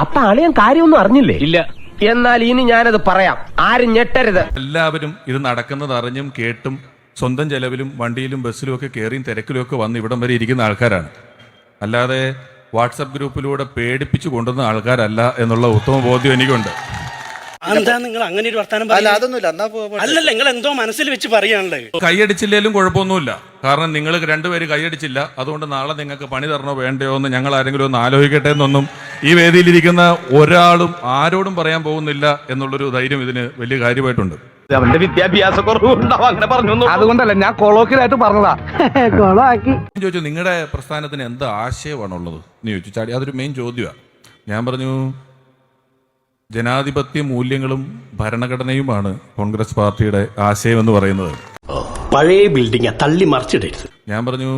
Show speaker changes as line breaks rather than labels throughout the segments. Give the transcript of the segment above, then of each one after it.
അപ്പൊ അളിയൻ കാര്യമൊന്നും അറിഞ്ഞില്ലേ? ഇല്ല. എന്നാൽ ഇനി ഞാനത് പറയാം, ആരും ഞെട്ടരുത്.
എല്ലാവരും ഇത് നടക്കുന്നത് അറിഞ്ഞും കേട്ടും സ്വന്തം ചെലവിലും വണ്ടിയിലും ബസ്സിലും ഒക്കെ കയറിയും തിരക്കിലും ഒക്കെ വന്ന് ഇവിടം വരെ ഇരിക്കുന്ന ആൾക്കാരാണ്. അല്ലാതെ വാട്സപ്പ് ഗ്രൂപ്പിലൂടെ പേടിപ്പിച്ചു കൊണ്ടുവന്ന ആൾക്കാരല്ല എന്നുള്ള ഉത്തമ ബോധ്യം എനിക്കുണ്ട്.
എന്താ നിങ്ങൾ അങ്ങനെ ഒരു വർത്താനം? അല്ലല്ല, നിങ്ങൾ എന്തോ മനസ്സിൽ വെച്ച് പറയാനുള്ളത്.
കൈയടിച്ചില്ലേലും കുഴപ്പമൊന്നുമില്ല. കാരണം നിങ്ങൾ രണ്ടുപേര് കൈയടിച്ചില്ല, അതുകൊണ്ട് നാളെ നിങ്ങൾക്ക് പണി തരണോ വേണ്ടയോ എന്ന് ഞങ്ങൾ ആരെങ്കിലും ഒന്ന് ആലോചിക്കട്ടെ എന്നൊന്നും ഈ വേദിയിലിരിക്കുന്ന ഒരാളും ആരോടും പറയാൻ പോകുന്നില്ല എന്നുള്ളൊരു ധൈര്യം ഇതിന് വലിയ കാര്യമായിട്ടുണ്ട്.
അവന്റെ വിദ്യാഭ്യാസ കുറവുണ്ടാവും, അങ്ങനെ പറഞ്ഞു. അതുകൊണ്ടല്ല, ഞാൻ കൊളോക്കിലായിട്ട് പറഞ്ഞതാ.
ചോദിച്ചു നിങ്ങളുടെ പ്രസ്ഥാനത്തിന് എന്ത് ആശയമാണുള്ളത് എന്ന് ചോദിച്ചു. ചാടി അതൊരു മെയിൻ ചോദ്യമാണ്. ഞാൻ പറഞ്ഞു ജനാധിപത്യ മൂല്യങ്ങളും ഭരണഘടനയുമാണ് കോൺഗ്രസ് പാർട്ടിയുടെ ആശയം എന്ന് പറയുന്നത്.
പഴയ ബിൽഡിംഗ് തള്ളി മറിച്ചിടരുത്.
ഞാൻ പറഞ്ഞു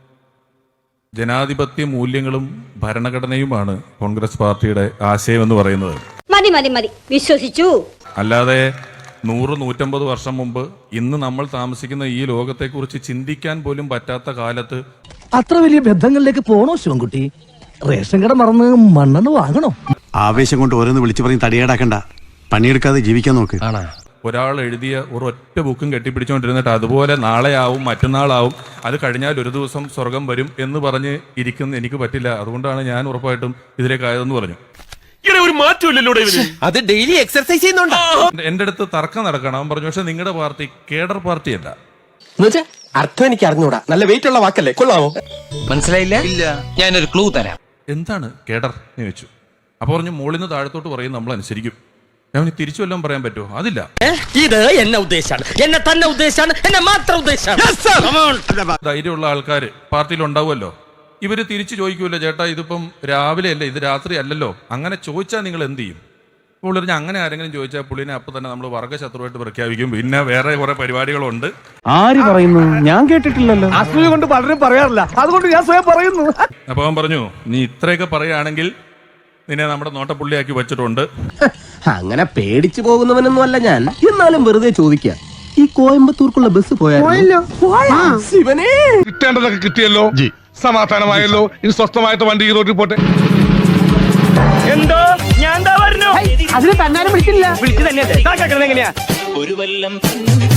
ജനാധിപത്യ മൂല്യങ്ങളും ഭരണഘടനയുമാണ് കോൺഗ്രസ് പാർട്ടിയുടെ ആശയം എന്ന് പറയുന്നത്.
മതി മതി മതി, വിശ്വസിച്ചു.
അല്ലാതെ 100-150 വർഷം മുമ്പ് ഇന്ന് നമ്മൾ താമസിക്കുന്ന ഈ ലോകത്തെക്കുറിച്ച് ചിന്തിക്കാൻ പോലും പറ്റാത്ത കാലത്ത്
അത്ര വലിയ ബന്ധങ്ങളിലേക്ക് പോണോ ശിവൻകുട്ടി? റേഷൻ കട മറന്ന് മണ്ണെണ്ണ വാങ്ങണോ?
ആവേശം കൊണ്ട് ഓരോന്ന് വിളിച്ചു പറഞ്ഞ് തടിയേടാക്കണ്ട, പണിയെടുക്കാതെ ജീവിക്കാൻ നോക്ക്.
ഒരാൾ എഴുതിയ ഒരൊറ്റ ബുക്കും കെട്ടിപ്പിടിച്ചുകൊണ്ടിരുന്നിട്ട് അതുപോലെ നാളെയാവും മറ്റന്നാളാവും അത് കഴിഞ്ഞാൽ ഒരു ദിവസം സ്വർഗം വരും എന്ന് പറഞ്ഞ് ഇരിക്കുന്ന എനിക്ക് പറ്റില്ല. അതുകൊണ്ടാണ് ഞാൻ ഉറപ്പായിട്ടും ഇതിലേക്കായതെന്ന് പറഞ്ഞു.
ഒരു മാറ്റമില്ലല്ലോ, അത് ഡെയിലി എക്സർസൈസ് ചെയ്യുന്നുണ്ടോ?
എന്റെ അടുത്ത് തർക്കം നടക്കണം. അവൻ പറഞ്ഞു പക്ഷെ നിങ്ങളുടെ പാർട്ടി കേഡർ പാർട്ടിയല്ല.
അർത്ഥം എനിക്ക് അറിഞ്ഞൂടാ. നല്ല വെയിറ്റ് ഉള്ള വാക്കല്ലേ, കൊള്ളാമോ? മനസ്സിലായില്ല? ഇല്ല. ഞാനൊരു ക്ലൂ തരാം.
എന്താണ് കേഡർ എന്ന് ചോദിച്ചു. അപ്പൊ പറഞ്ഞു മുകളിൽ നിന്ന് താഴത്തോട്ട് പറയും, നമ്മൾ അനുസരിക്കും. ഞാൻ തിരിച്ചു വല്ലതും പറയാൻ പറ്റുമോ? അതില്ല.
ഇത് എന്നെ ഉദ്ദേശാണ്, എന്നെ തന്നെ ഉദ്ദേശാണ്, എന്നെ മാത്രം ഉദ്ദേശാണ്.
ധൈര്യമുള്ള ആൾക്കാർ പാർട്ടിയിൽ ഉണ്ടാവുമല്ലോ. ഇവര് തിരിച്ചു ചോദിക്കൂല്ലോ, ചേട്ടാ ഇതിപ്പം രാവിലെ അല്ലേ, ഇത് രാത്രി അല്ലല്ലോ, അങ്ങനെ ചോദിച്ചാൽ നിങ്ങൾ എന്ത് ചെയ്യും? പുള്ളി പറഞ്ഞാൽ അങ്ങനെ ആരെങ്കിലും ചോദിച്ചാൽ പുള്ളിനെ അപ്പം തന്നെ നമ്മൾ വർഗ്ഗശത്രുവായിട്ട് പ്രഖ്യാപിക്കും. പിന്നെ വേറെ കുറെ പരിപാടികളുണ്ട്.
ആര് പറയുന്നു? ഞാൻ കേട്ടിട്ടില്ലല്ലോ. അസൂയ കൊണ്ട് പലരും പറയാറില്ല, അതുകൊണ്ട് ഞാൻ സ്വയം പറയുന്നു.
അപ്പൊ അവൻ പറഞ്ഞു നീ ഇത്രയൊക്കെ പറയുകയാണെങ്കിൽ നിന്നെ നമ്മുടെ നോട്ടപ്പുള്ളിയാക്കി വെച്ചിട്ടുണ്ട്.
അങ്ങനെ പേടിച്ചു പോകുന്നവനൊന്നും അല്ല ഞാൻ. എന്നാലും വെറുതെ ചോദിക്കാം, ഈ കോയമ്പത്തൂർക്കുള്ള ബസ് പോയാലോ? ശിവനെ,
കിട്ടേണ്ടതൊക്കെ കിട്ടിയല്ലോ, സമാധാനമായല്ലോ. ഇനി സ്വസ്ഥമായിട്ട് വണ്ടി ഈ റോഡിൽ പോട്ടെ.
എന്തോ ഞാൻ എന്താ പറഞ്ഞു?
അതിന് തന്നാലും വിളിച്ചില്ല.
വിളിച്ചു തന്നെ എങ്ങനെയാ?
ഒരു വല്ലം